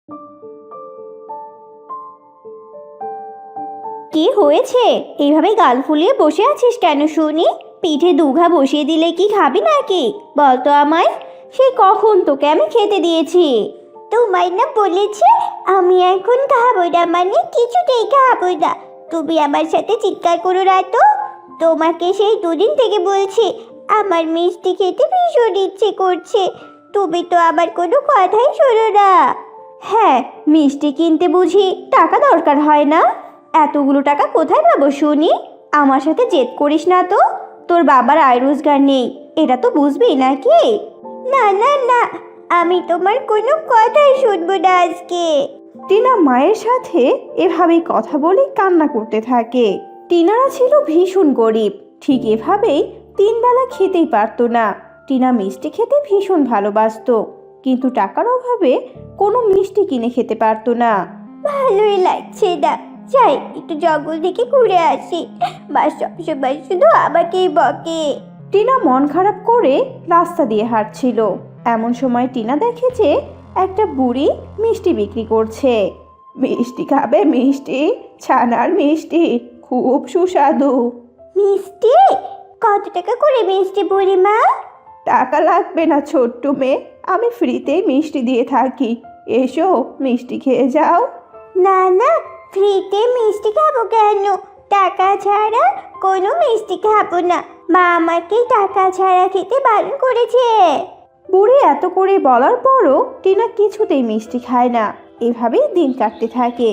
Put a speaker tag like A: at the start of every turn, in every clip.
A: কি হয়েছে? এইভাবে গাল ফুলিয়ে বসে আছিস কেন শুনি? পিঠে দুঘা বসিয়ে দিলে কি খাবি নাকি? বল তো আমায়। সেই কখন তোকে আমি খেতে দিয়েছি। তোমায় না বলেছে আমি এখন খাবো না, মানে কিছুতেই খাবো না। তুমি আমার সাথে চিৎকার করো না তো। তোমাকে সেই দুদিন থেকে বলছি আমার মিষ্টি খেতে ভীষণ ইচ্ছে করছে, তুমি তো আমার কোনো কথাই শোনো না। হ্যাঁ, মিষ্টি কিনতে বুঝি টাকা দরকার হয় না? এতগুলো টাকা কোথায় পাবো শুনি? আমার সাথে জেদ করিস না তো। তোর বাবার আয় রোজগার নেই, এটা তো বুঝবি নাকি? না না না, আমি তোমার কোনো কথাই শুনবো না আজকে।
B: টিনা মায়ের সাথে এভাবেই কথা বলে কান্না করতে থাকে। টিনারা ছিল ভীষণ গরিব, ঠিক এভাবেই 3 বেলা খেতেই পারতো না। টিনা মিষ্টি খেতে ভীষণ ভালোবাসতো, কিন্তু টাকার অভাবে কোনো মিষ্টি কিনে খেতে পারতো না।
A: ভালোই লাগছে না, যাই একটু জঙ্গল থেকে ঘুরে আসি। মা সবসময় শুধু আমাকেই বকে।
B: টিনা মন খারাপ করে রাস্তা দিয়ে হাঁটছিল। এমন সময় টিনা দেখে যে একটা বুড়ি মিষ্টি বিক্রি করছে। মিষ্টি খাবে? মিষ্টি, ছানার মিষ্টি, খুব সুস্বাদু।
A: মিষ্টি? কত টাকা করে মিষ্টি বুড়িমা?
B: টাকা লাগবে না ছোট্ট মেয়ে, আমি ফ্রিতেই মিষ্টি দিয়ে থাকি। এসো মিষ্টি খেয়ে যাও।
A: না না, ফ্রিতে মিষ্টি খাবো কেন? টাকা ছাড়া কোনো মিষ্টি খাবো না। মা আমাকে টাকা ছাড়া খেতে বারণ করেছে।
B: বুড়ি এত করে বলার পরও টিনা কিছুতেই মিষ্টি খায় না। এভাবেই দিন কাটতে থাকে।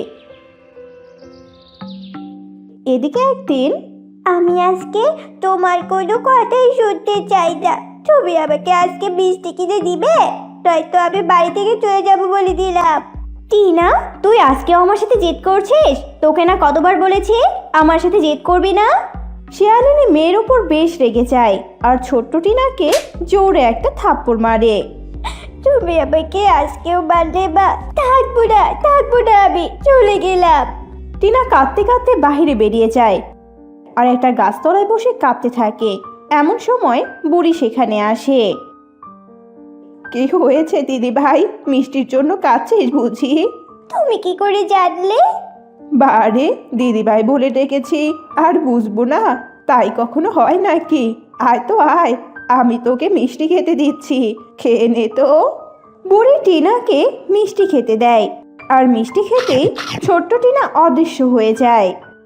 B: এদিকে একদিন
A: আমি আজকে তোমার কোনো কথাই শুনতে চাই না। তুমি আমাকে আজকে মিষ্টি কিনে দিবে, নয়তো আমি বাড়ি থেকে চলে যাব বলে দিলাম। টিনা, তুই আজকেও আমার সাথে জেদ করছিস? তোকে না কতবার বলেছি আমার সাথে জেদ করবি না।
B: শিয়ালিনী মেয়ের উপর বেশ রেগে যায় আর ছোট্ট টিনাকে জোরে একটা থাপ্পড় মারে।
A: তুমি আমাকে আজকেও মারলে বা? থাকবো না, আমি চলে গেলাম।
B: টিনা কাঁদতে কাঁদতে বাহিরে বেরিয়ে যায় আর একটা গাছতলায় বসে কাঁদতে থাকে। এমন সময় বুড়ি সেখানে আসে। কি হয়েছে দিদি ভাই, মিষ্টির জন্য কাঁদছিস বুঝি?
A: তুমি কি করে জানলে?
B: বারে, দিদি ভাই বলে ডেকেছি, আর বুঝবো না তাই কখনো হয় নাকি? আয় তো আয়, আমি তোকে মিষ্টি খেতে দিচ্ছি, খেয়ে নে তো। বুড়ি টিনাকে মিষ্টি খেতে দেয় আর মিষ্টি খেতেই ছোট্ট টিনা অদৃশ্য হয়ে যায়।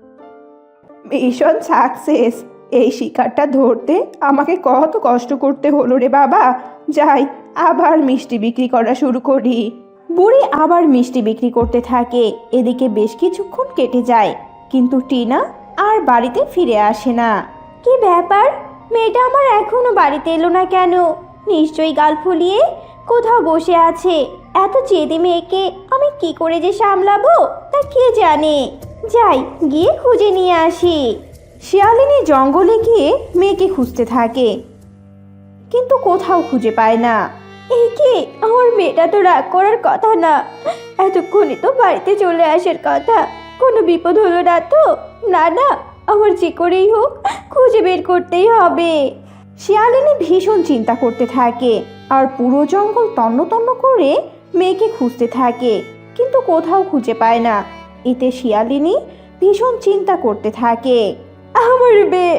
B: Mission success. এই শিকারটা ধরতে আমাকে কত কষ্ট করতে হলো রে বাবা। যাই, আবার মিষ্টি বিক্রি করা শুরু করি। বুড়ি আবার মিষ্টি বিক্রি করতে থাকে। এদিকে বেশ কিছুক্ষণ কেটে যায়, কিন্তু টিনা আর বাড়িতে ফিরে আসে না।
A: কি ব্যাপার? মেয়েটা আমার এখনো বাড়িতে এলো না কেন? নিশ্চয়ই গাল ফুলিয়ে কোথাও বসে আছে। এত জেদি মেয়েকে আমি কি করে যে সামলাবো তা কে জানে। যাই, গিয়ে খুঁজে নিয়ে আসি।
B: শিয়ালিনী জঙ্গলে গিয়ে মেয়েকে খুঁজতে থাকে, কিন্তু কোথাও খুঁজে পায় না।
A: এই কি, আমার মেয়েটা তো রাগ করার কথা না, এতক্ষণে তো বাড়িতে চলে আসার কথা। কোনো বিপদ হলো না তো? না না, আমার যে করেই হোক খুঁজে বের করতেই হবে।
B: শিয়ালিনী ভীষণ চিন্তা করতে থাকে আর পুরো জঙ্গল তন্ন তন্ন করে মেয়েকে খুঁজতে থাকে, কিন্তু কোথাও খুঁজে পায় না। এতে শিয়ালিনী ভীষণ চিন্তা করতে থাকে।
A: আমার মেয়ে,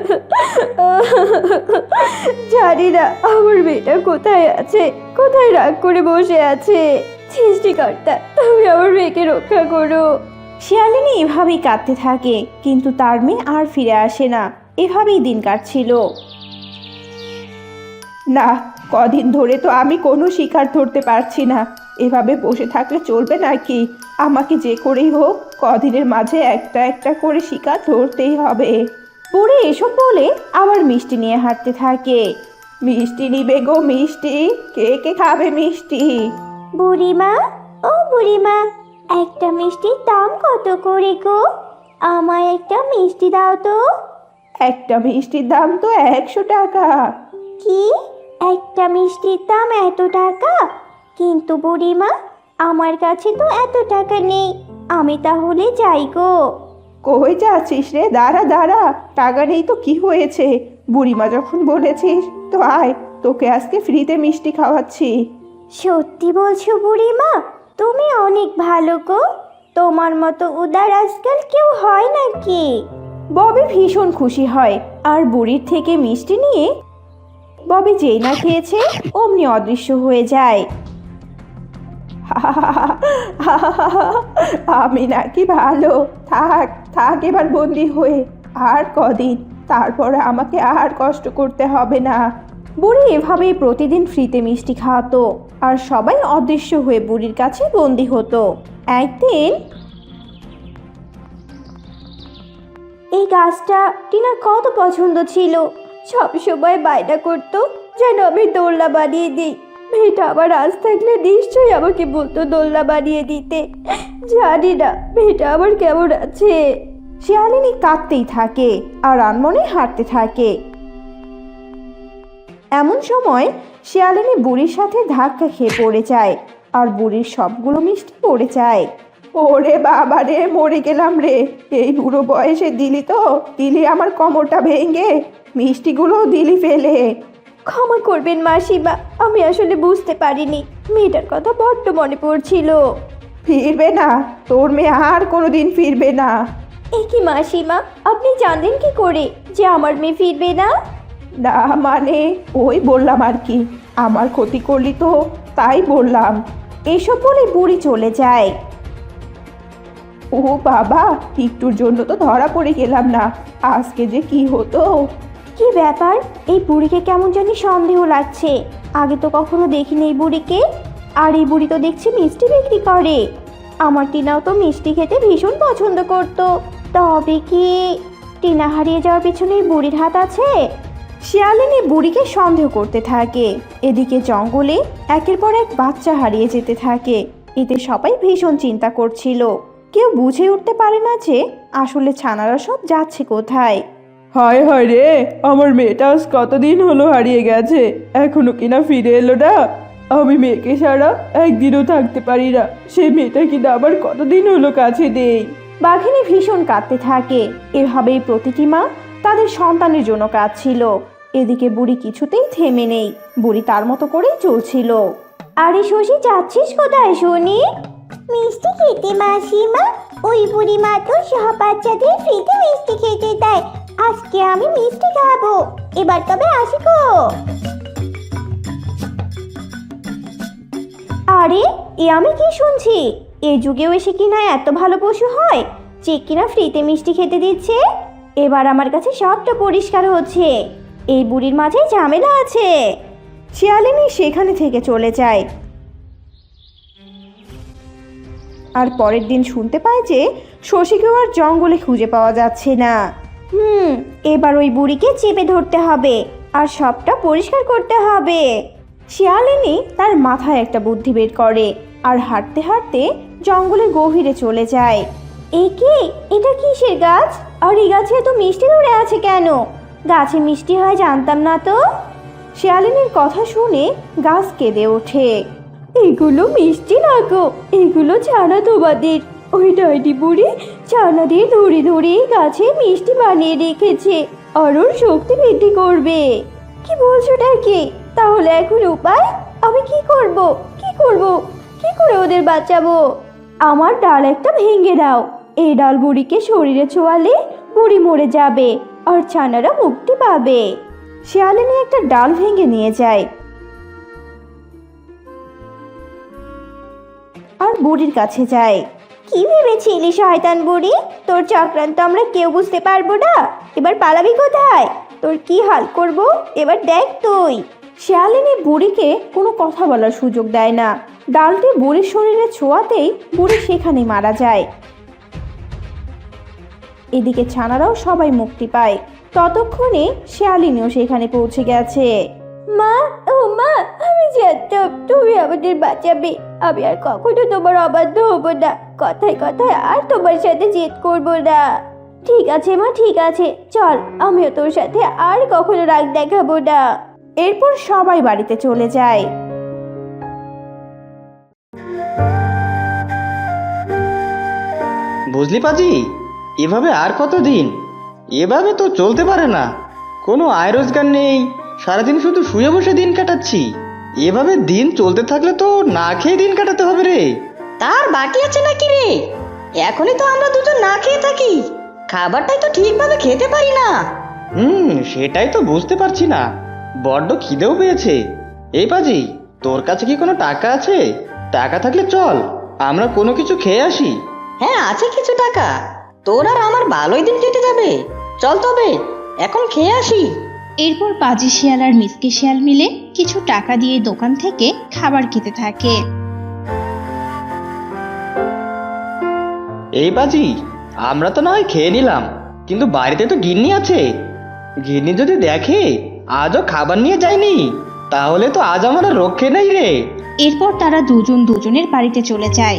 A: জানি না আমার মেয়েটা কোথায় আছে, কোথায় রাগ করে বসে আছে। সৃষ্টিকর্তা, তুমি আমার মেয়েকে রক্ষা করো।
B: শিয়ালিনী এভাবেই কাঁদতে থাকে, কিন্তু তার মেয়ে আর ফিরে আসে না। এভাবেই দিন কাটছিল। না, কদিন ধরে তো আমি কোনো শিকার ধরতে পারছি না। এভাবে বসে থাকলে চলবে নাকি? আমাকে যে করেই হোক কদিনের মাঝে একটা একটা করে শিকার ধরতেই হবে। বুড়ি এসব বলে আবার মিষ্টি নিয়ে হাঁটতে থাকে। মিষ্টি নিবে গো মিষ্টি, কে কে খাবে মিষ্টি?
A: বুড়িমা, ও বুড়িমা, একটা মিষ্টির দাম কত করে গো? আমায় একটা মিষ্টি দাও তো।
B: একটা মিষ্টির দাম তো 100 টাকা।
A: কি? একটা মিষ্টির দাম এত টাকা? কিন্তু বুড়িমা, আমার কাছে তো এত টাকা নেই, আমি তাহলে যাই গো।
B: কই যাচ্ছিস রে? দাঁড়া দাঁড়া, টাকা নেই তো কি হয়েছে? বুড়িমা যখন বলেছিস তো আয়, তোকে আজকে ফ্রিতে মিষ্টি খাওয়াচ্ছি।
A: সত্যি বলছো বুড়িমা? তুমি ভালো গো, তোমার মতো উদার আজকাল কেউ হয় নাকি?
B: ববি ভীষণ খুশি হয় আর বুড়ির থেকে মিষ্টি নিয়ে ববি যেই না খেয়েছে অমনি অদৃশ্য হয়ে যায়। আমি নাকি ভালো, থাক থাক এবার বন্দি হয়ে আর কদিন, তারপরে আমাকে আর কষ্ট করতে হবে না। বুড়ি এভাবেই প্রতিদিন ফ্রিতে মিষ্টি খাওয়াতো আর সবাই অদৃশ্য হয়ে বুড়ির কাছে বন্দি হতো। একদিন
A: এই গাছটা টিনার কত পছন্দ ছিল, সবসময় বায়না করতো যেন আমি দোলনা বানিয়ে দিই। মেয়েটা আবার আজ থাকলে নিশ্চয়ই আমাকে বলতো দোলনা বানিয়ে দিতে। জানি না মেয়েটা আবার কেমন আছে।
B: শিয়ালিনী কাঁদতেই থাকে আর আনমনে হাঁটতে থাকে। এমন সময় শিয়ালিনী বুড়ির সাথে ধাক্কা খেয়ে পড়ে যায় আর বুড়ির সবগুলো মিষ্টি পড়ে যায়। ওরে বাবা রে, মরে গেলাম রে, এই বুড়ো বয়সে দিলি আমার কোমরটা ভেঙে মিষ্টিগুলো দিলি ফেলে।
A: ক্ষমা করবেন মাসিমা, আমি আসলে বুঝতে পারিনি, মেয়েটার কথা বড্ড মনে পড়ছিল।
B: ফিরবে না, তোর মেয়ে আর কোনোদিন ফিরবে না।
A: এ কি মাসিমা, আপনি জানলেন কি করে যে আমার মেয়ে ফিরবে না?
B: না মানে ওই বললাম আর কি, আমার ক্ষতি করলি তো তাই বললাম। এসব বলে বুড়ি চলে যায়। ও বাবা, একটুর জন্য তো ধরা পড়ে গেলাম না, আজকে যে কি হতো।
A: কি ব্যাপার, এই বুড়িকে কেমন জানি সন্দেহ লাগছে। আগে তো কখনো দেখিনি এই বুড়িকে। আর এই বুড়ি তো দেখছি মিষ্টি বিক্রি করে। আমার টিনাও তো মিষ্টি খেতে ভীষণ পছন্দ করত। তবে কি টিনা হারিয়ে যাওয়ার পিছনে এই বুড়ির হাত আছে?
B: শিয়ালিনী বুড়িকে সন্দেহ করতে থাকে। এদিকে জঙ্গলে একের পর এক বাচ্চা হারিয়ে যেতে থাকে। এতে সবাই ভীষণ চিন্তা করছিল। কেউ বুঝে উঠতে পারে না যে আসলে ছানারা সব যাচ্ছে কোথায়। হায় হায় রে, আমার মেয়েটা আজ কতদিন হলো হারিয়ে গেছে, এখনো কিনা ফিরে এলো না। আমি মেয়েকে ছাড়া একদিনও থাকতে পারি না, সে মেয়েটা কিনা আবার কতদিন হলো কাছে দেই। বাঘিনী ভীষণ কাঁদতে থাকে। এভাবেই প্রতিটি মা তাদের সন্তানের জন্য কাঁদছিল। এদিকে বুড়ি কিছুতেই থেমে নেই, বুড়ি তার মতো করেই চলছিল।
A: আরে শশী, যাচ্ছিস কোথায় শুনি? মিষ্টি খেতে মাসিমা, ওই বুড়ি মা তো সব বাচ্চাদের ফ্রিতে মিষ্টি খেতে দেয়। আজকে আমি মিষ্টি খাবো, এবার তবে আসি গো। আরে এ আমি কি শুনছি? এই যুগেও এসে কিনা এত ভালো পশু হয় যে কিনা ফ্রিতে মিষ্টি খেতে দিচ্ছে। এবার আমার কাছে সবটা পরিষ্কার হচ্ছে, এই বুড়ির মাঝে ঝামেলা আছে।
B: শিয়ালিনী সেখানে থেকে চলে যায় আর পরের দিন শুনতে পায় যে শশীকেও আর জঙ্গলে খুঁজে পাওয়া যাচ্ছে না।
A: এবার ওই বুড়িকে চেপে ধরতে হবে আর সবটা পরিষ্কার করতে হবে।
B: শিয়ালিনী তার মাথায় একটা বুদ্ধি বের করে আর হাঁটতে হাঁটতে জঙ্গলের গভীরে চলে যায়।
A: এ কি, এটা কিসের গাছ? আর এই গাছে এত মিষ্টি ধরে আছে কেন? গাছে মিষ্টি হয় জানতাম না তো।
B: শিয়ালিনীর কথা শুনে গাছ কেঁদে ওঠে।
A: এগুলো মিষ্টি না গো, এগুলো ছানা তোমাদের। ওই ডাইনি বুড়ি ছানা দিয়ে ধরে ধরে গাছে মিষ্টি বানিয়ে রেখেছে আর ওর শক্তি বৃদ্ধি করবে। কি বলছোটা কি? তাহলে এখন উপায়? আমি কি করব? কি করে ওদের বাঁচাবো? আমার ডাল একটা ভেঙে দাও। এই ডাল বুড়িকে শরীরে ছোঁয়ালে বুড়ি মরে যাবে আর ছানারা মুক্তি পাবে।
B: শিয়ালিনী একটা ডাল ভেঙে নিয়ে যায় আর বুড়ির কাছে যায়।
A: কি ভেবেছিলি শয়তান বুড়ি? তোর চক্রান্ত আমরা কেউ বুঝতে পারবো না। এবার পালাবি কোথায়? তোর কি হাল করব এবার দেখ তুই।
B: শিয়ালিনী বুড়িকে কোনো কথা বলার সুযোগ দেয় না। ডালটি বুড়ির শরীরে ছোঁয়াতেই বুড়ি সেখানে মারা যায়। এদিকে ছানারাও সবাই মুক্তি পায়। ততক্ষণে শিয়ালিনীও সেখানে পৌঁছে গেছে।
A: মা, ও মা, আমি জানতাম তুমি আমাদের বাঁচাবে। আমি আর কখনো তোমার অবাধ্য হব না। কথায় কথায় আর তোমার সাথে জেদ করব না। ঠিক আছে মা, ঠিক আছে, চল, আমিও তোর সাথে আর কখনো রাগ দেখাবো না।
B: এরপর সবাই বাড়িতে চলে যায়।
C: বুঝলি পাজি, এভাবে আর কতদিন? এভাবে তো চলতে পারে না। কোনো আয় রোজগার নেই, সারাদিন শুধু শুয়ে বসে দিন কাটাচ্ছি। এভাবে দিন চলতে থাকলে তো না খেয়ে দিন কাটাতে হবে রে।
D: তার বাকি আছে নাকি রে? এখনই তো আমরা দুজন না খেয়ে থাকি, খাবারটাই তো ঠিকভাবে খেতে পারি না।
C: সেটাই তো বুঝতে পারছি না, বড্ড খিদেও পেয়েছে। এই পাজি, তোর কাছে কি কোনো টাকা আছে? টাকা থাকলে চল, আমরা কোনো কিছু খেয়ে আসি।
D: হ্যাঁ, আছে কিছু টাকা, তোর আর আমার ভালোই দিন কেটে যাবে। চল তবে এখন খেয়ে আসি।
E: এরপর পাজি শিয়াল আর মিসকে শিয়াল মিলে কিছু টাকা দিয়ে দোকান থেকে খাবার খেতে থাকে।
C: এই পাজি, আমরা তো না হয় খেয়ে নিলাম, কিন্তু বাড়িতে তো গিন্নি আছে। গিন্নি যদি দেখে আজও খাবার নিয়ে যায়নি, তাহলে তো আজ আমার আর রক্ষে নেই রে।
E: এরপর তারা দুজন দুজনের বাড়িতে চলে যায়।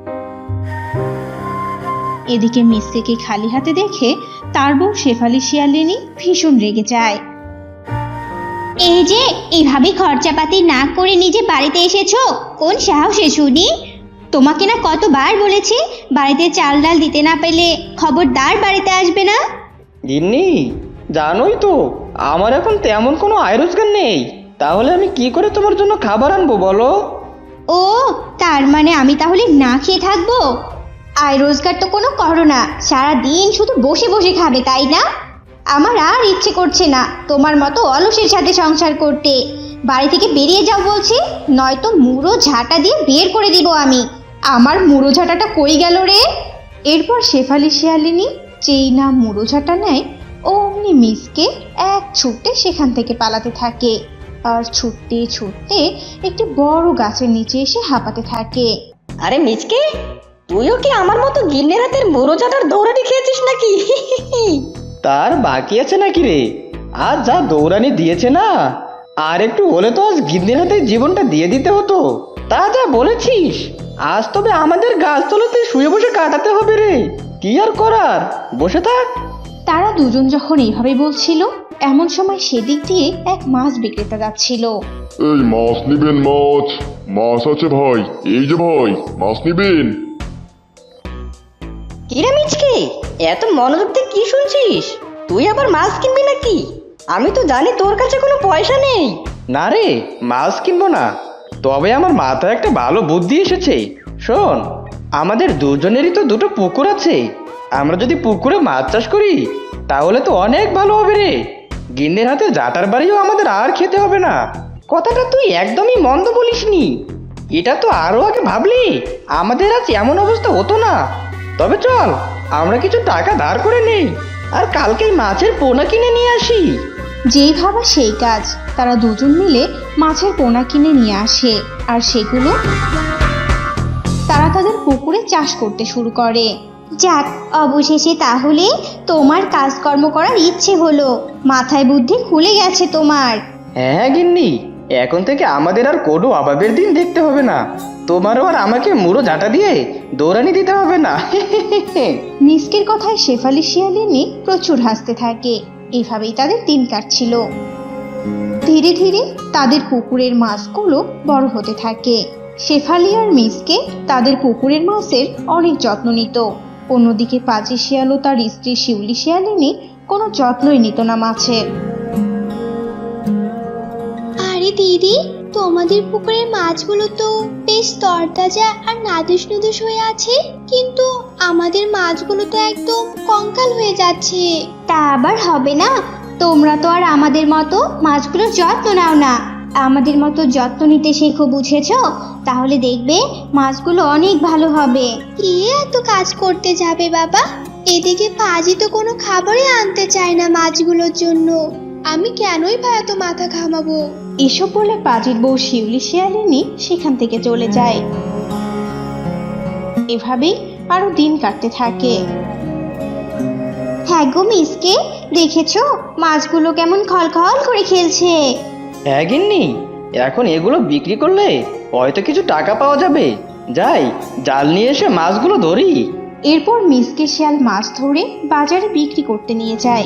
E: এদিকে মিসকেকে খালি হাতে দেখে তার বউ শেফালি শিয়ালিনী ভীষণ রেগে যায়।
A: এই যে এইভাবে খরচাপাতি না করে নিজে বাড়িতে এসেছো, কোন সাহসে শুনি? তোমাকে না কতবার বলেছি বাড়িতে চাল ডাল দিতে না পেলে খবরদার বাড়িতে আসবে না।
C: গিন্নি, জানোই তো আমার এখন তেমন কোনো আয় রোজগার নেই, তাহলে আমি কি করে তোমার জন্য খাবার আনবো বলো?
A: ও, তার মানে আমি তাহলে না খেয়ে থাকবো? আয় রোজগার তো কোনো করো না, সারাদিন শুধু বসে বসে খাবে, তাই না? আমার আর ইচ্ছে করছে না তোমার মতো অলসের সাথে সংসার করতে। বাড়ি থেকে বেরিয়ে যাও বলছি, নয়তো মুড়ো ঝাঁটা দিয়ে বের করে দিব আমি।
E: আমার মুড়ো ঝাঁটাটা কই গেল রে? এরপর শেফালি শিয়ালিনী যেই না মুড়ো ঝাঁটা নেয়, অমনি মিসকে এক ছুটে সেখান থেকে পালাতে থাকে, আর ছুটতে ছুটতে একটি বড় গাছের নিচে এসে হাঁপাতে থাকে।
D: আরে মিচকে, তুইও কি আমার মতো গিন্নের হাতের মুড়ো চাটার দৌড়ানি খেয়েছিস নাকি?
C: তার বাকি আছে নাকি রে? আজ যা দৌড়ানি দিয়েছে না, আর একটু হলে তো আজ গিন্নির হাতে জীবনটা দিয়ে দিতে হতো। তা যা বলেছিস, আজ তবে আমাদের গাছতলাতে শুয়ে বসে কাটাতে হবে রে। কি আর করার, বসে থাক।
E: তারা দুজন যখন এইভাবে বলছিল, এমন সময় সেদিক দিয়ে এক মাছ বিক্রেতা যাচ্ছিল।
F: এই মাছ নিবেন? মাছ মাছ আছে ভাই, এই যে ভাই, মাছ নিবেন?
D: কিরে মিচকে, এত মনোযোগ দিয়ে কি শুনছিস? তুই আবার মাছ কিনবি নাকি? আমি তো জানি তোর কাছে কোনো পয়সা নেই।
C: না রে, মাছ কিনবো না, তবে আমার মাথায় একটা ভালো বুদ্ধি এসেছে। শোন, আমাদের দুজনেরই তো দুটো পুকুর আছে, আমরা যদি পুকুরে মাছ চাষ করি তাহলে তো অনেক ভালো হবে রে। গিন্নির হাতে জাটার বাড়িও আমাদের আর খেতে হবে না। কথাটা তুই একদমই মন্দ বলিসনি, এটা তো আরো আগে ভাবলি আমাদের আজ এমন অবস্থা হতো না। তবে চল, আমরা কিছু টাকা ধার করে নেই, আর কালকেই মাছের পোনা কিনে নিয়ে আসি।
E: যেই ভাবা সেই কাজ, তারা দুজন মিলে মাছের পোনা কিনে নিয়ে আসে, আর সেগুলো তারা তাদের পুকুরে চাষ করতে শুরু করে।
A: যাক, অবশেষে তাহলে তোমার কাজকর্ম করার ইচ্ছে হলো, মাথায় বুদ্ধি খুলে গেছে তোমার।
C: হ্যাঁ গিন্নি, এখন থেকে আমাদের আর কোনো অভাবের দিন দেখতে হবে না, তোমারও আর আমাকে মুড়ো ঝাঁটা দিয়ে দৌড়ানি দিতে হবে না।
E: মিসকের কথায় শেফালি শিয়ালিনী প্রচুর হাসতে থাকে। এভাবেই তাদের দিন কাটছিল। ধীরে ধীরে তাদের পুকুরের মাছগুলো বড় হতে থাকে। শেফালি আর মিসকে তাদের পুকুরের মাছের অনেক যত্ন নিত। অন্যদিকে পাজি শিয়াল ও তার স্ত্রী শিউলি শিয়ালিনী কোনো যত্নই নিত না মাছের।
G: আরে দিদি, তোমাদের পুকুরের মাছগুলো তো বেশ তরতাজা আর নাদুস নুদুস হয়ে আছে, কিন্তু আমাদের মাছগুলো তো একদম কঙ্কাল হয়ে যাচ্ছে।
A: তা আবার হবে না, তোমরা তো আর আমাদের মতো মাছগুলোর যত্ন নাও না। আমাদের মতো যত্ন নিতে শেখো, বুঝেছো? তাহলে দেখবে মাছগুলো অনেক ভালো হবে।
G: কে এত কাজ করতে যাবে বাবা? এদিকে পাজি তো কোনো খাবারই আনতে চায় না মাছগুলোর জন্য। আমি কেনই বা এত মাথা ঘামাবো?
E: এসব বলে পাজির বউ শিউলি শিয়ালিনী সেখান থেকে চলে যায়। এভাবেই আরো দিন কাটতে থাকে।
A: হ্যাঁ গো মিসকে, দেখেছো মাছগুলো কেমন খলখল করে খেলছে?
C: হ্যাঁ গিন্নি, এখন এগুলো বিক্রি করলে হয়তো কিছু টাকা পাওয়া যাবে। যাই, জাল নিয়ে এসে মাছগুলো ধরি।
E: এরপর মিসকে শিয়াল মাছ ধরে বাজারে বিক্রি করতে নিয়ে যায়।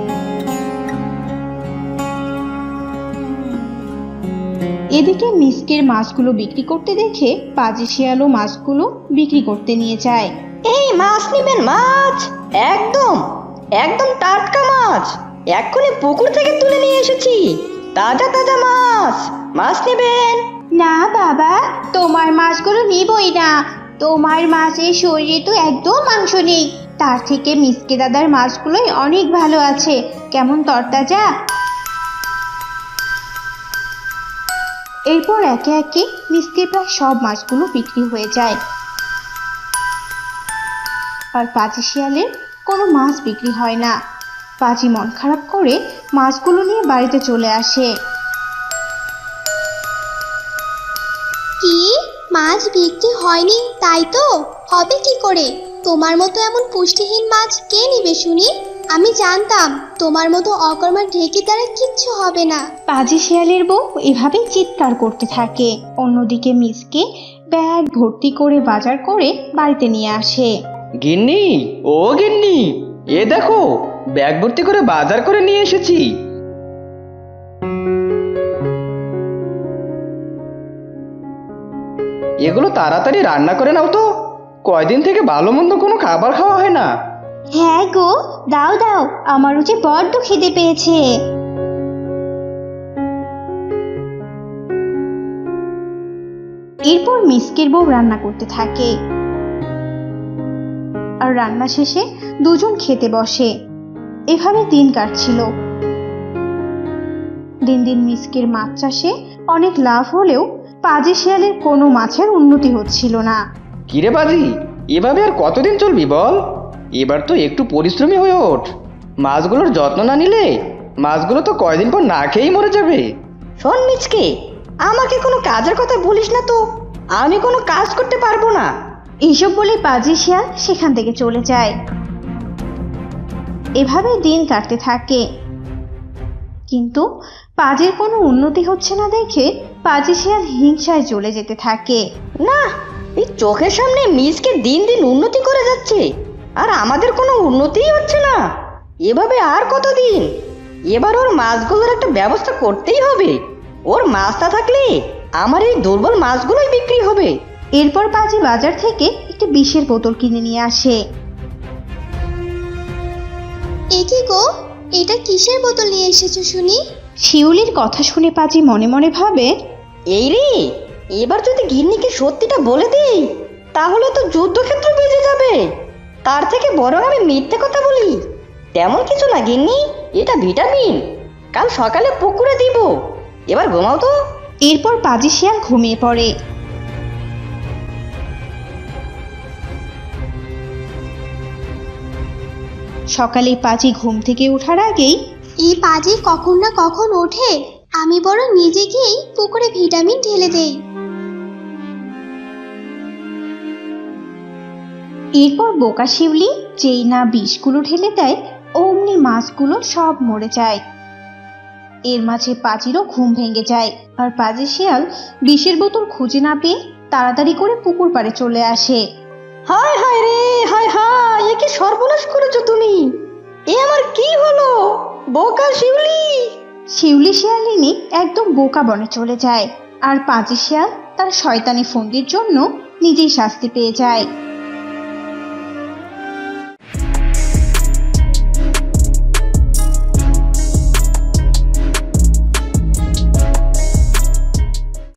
E: এদিকে মিসকের মাছগুলো বিক্রি করতে দেখে পাজি শিয়ালও মাছগুলো বিক্রি করতে নিয়ে যায়।
D: এই মাছ নিবেন? মাছ একদম একদম টাটকা মাছ, এক্ষুনি পুকুর থেকে তুলে নিয়ে এসেছি, তাজা তাজা মাছ। মাছ নেবেন?
A: না বাবা, তোমার মাছগুলো নিবই না,
E: তোমার মাছের শরীরে তো একদম মাংস নেই, তার থেকে মিসকে দাদার মাছগুলোই অনেক ভালো আছে, কেমন তরতাজা। এরপর একে একে মিসকের প্রায় সব মাছগুলো বিক্রি হয়ে যায়, আর পাজি শিয়ালের কোনো মাছ বিক্রি হয় না। পাজি মন খারাপ করে মাছগুলো নিয়ে বাড়িতে চলে আসে।
G: কি, মাছ বিক্রি হয়নি তাই তো? হবে কি করে? তোমার মতো এমন পুষ্টিহীন মাছ কে নেবে শুনি? আমি জানতাম তোমার মতো অকর্মার ঢেকি দ্বারা কিচ্ছু হবে না।
E: পাজি শিয়ালের বউ এভাবেই চিৎকার করতে থাকে। অন্যদিকে মিসকে ব্যাগ ভর্তি করে বাজার করে বাড়িতে নিয়ে আসে।
C: গিন্নি, ও গিন্নি, এ দেখো ব্যাগ ভর্তি করে বাজার করে নিয়ে এসেছি। এগুলো তাড়াতাড়ি রান্না করে নাও তো, কয়দিন থেকে ভালো মন্দ কোনো খাবার খাওয়া হয় না।
E: হ্যাঁ গো, দাও দাও, আমারও যে বড্ড খিদে পেয়েছে। এরপর মিসকের বউ রান্না করতে থাকে, আর রান্না শেষে দুজন খেতে বসে। এভাবে দিন কাটছিল। দিন দিন মিসকের মাছ চাষে অনেক লাভ হলেও পাজি শিয়ালের কোনো মাছের উন্নতি হচ্ছিল না।
C: কিরে বাজি, এভাবে আর কতদিন চলবি বল? এবার তো একটু পরিশ্রমী হয়ে ওঠ। মাছগুলোর যত্ন না নিলে মাছগুলো তো কয়দিন পর না খেয়েই মরে যাবে।
D: শোন মিচকে, আমাকে কোনো কাজের কথা বলিস না তো, আমি কোনো কাজ করতে পারবো না।
E: এইসব বলে পাজি শিয়াল সেখান থেকে চলে যায়। এভাবে দিন কাটতে থাকে, কিন্তু পাজির কোনো উন্নতি হচ্ছে না দেখে পাজি শিয়াল হিংসায় চলে যেতে থাকে।
D: না, এই চোখের সামনে মিচকে দিন দিন উন্নতি করে যাচ্ছে, আর আমাদের কোনো উন্নতিই হচ্ছে না। এভাবে আর কতদিন? এবার ওর মাছগুলোর একটা ব্যবস্থা করতেই হবে। ওর মাছটা থাকলে আমার এই দুর্বল মাছগুলোই বিক্রি হবে।
E: এরপর পাজি বাজার থেকে একটি বিষের বোতল কিনে নিয়ে আসে।
G: এ কি গো, এটা কিসের বোতল নিয়ে এসেছো শুনি?
E: শিউলির কথা শুনে পাজি মনে মনে ভাবে,
D: এই রে, এবার যদি গিন্নিকে সত্যিটা বলে দিই তাহলে তো যুদ্ধক্ষেত্র বেজে যাবে। তার থেকে বরং আমি মিথ্যে কথা বলি। তেমন কিছু না গিন্নি, এটা ভিটামিন, কাল সকালে পুকুরে দিব। এবার ঘুমাও তো।
E: এরপর পাজি শিয়াল ঘুমিয়ে পড়ে। সকালে পাজি ঘুম থেকে ওঠার আগেই
G: এই পাজি কখন না কখন ওঠে, আমি বরং নিজে গিয়েই পুকুরে ভিটামিন ঢেলে দেই।
E: এরপর বোকা শিউলি যেই না বিষগুলো ঢেলে দেয়, অমনি মাছগুলো সব মরে যায়। এর মাঝে পাজিরও ঘুম ভেঙে যায়, আর পাজি শিয়াল বিষের বোতল খুঁজে না পেয়ে তাড়াতাড়ি করে পুকুর পাড়ে চলে আসে।
D: হায় হায় রে, হায় হায়, এ কি সর্বনাশ করেছো তুমি! এ আমার কি হলো? বোকা শিউলি!
E: শিউলি শিয়ালিনী একদম বোকা বনে চলে যায়, আর পাজি শিয়াল তার শয়তানি ফন্দির জন্য নিজেই শাস্তি পেয়ে যায়।